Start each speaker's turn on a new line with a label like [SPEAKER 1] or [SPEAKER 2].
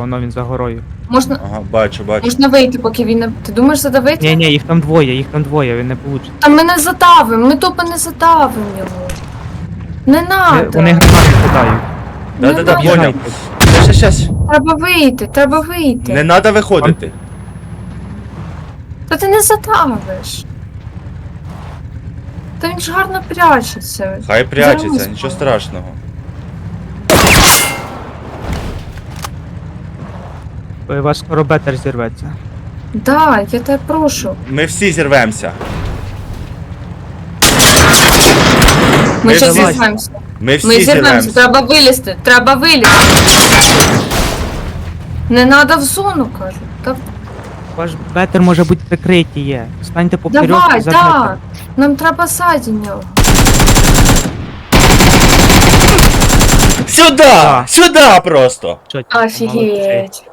[SPEAKER 1] воно він за горою.
[SPEAKER 2] Можна,
[SPEAKER 3] Ага, бачу.
[SPEAKER 2] можна вийти, поки він не... Ти думаєш задавити?
[SPEAKER 1] Ні, їх там двоє, він не получить.
[SPEAKER 2] Та ми не задавимо, ми тупо не задавимо його. Не надо.
[SPEAKER 1] Вони гранати кидають.
[SPEAKER 3] Да-да-да,
[SPEAKER 2] надо.
[SPEAKER 3] поняв. Щас.
[SPEAKER 2] Треба вийти.
[SPEAKER 3] Не треба виходити.
[SPEAKER 2] Та ти не задавиш. Та він ж гарно прячеться.
[SPEAKER 3] Хай прячеться,
[SPEAKER 2] Зараз.
[SPEAKER 3] нічого страшного.
[SPEAKER 1] У вас скоро бетер зірветься.
[SPEAKER 2] Да, я тебе прошу.
[SPEAKER 3] Ми всі зірвемося.
[SPEAKER 2] Ми
[SPEAKER 3] Ми
[SPEAKER 2] ще
[SPEAKER 3] всі-
[SPEAKER 2] зірвемося.
[SPEAKER 3] Ми всі
[SPEAKER 2] Ми зірвемося,
[SPEAKER 3] зірвемося.
[SPEAKER 2] треба вилізти. Не надо в зону, кажу. Та
[SPEAKER 1] Ваш бетер може бути прикриті є. Станьте поперек
[SPEAKER 2] давай,
[SPEAKER 1] і за
[SPEAKER 2] да.
[SPEAKER 1] бетер.
[SPEAKER 2] Нам треба ззаді нього.
[SPEAKER 3] Сюда! Сюда просто!
[SPEAKER 1] Чотко, молодці.
[SPEAKER 2] Офігеть.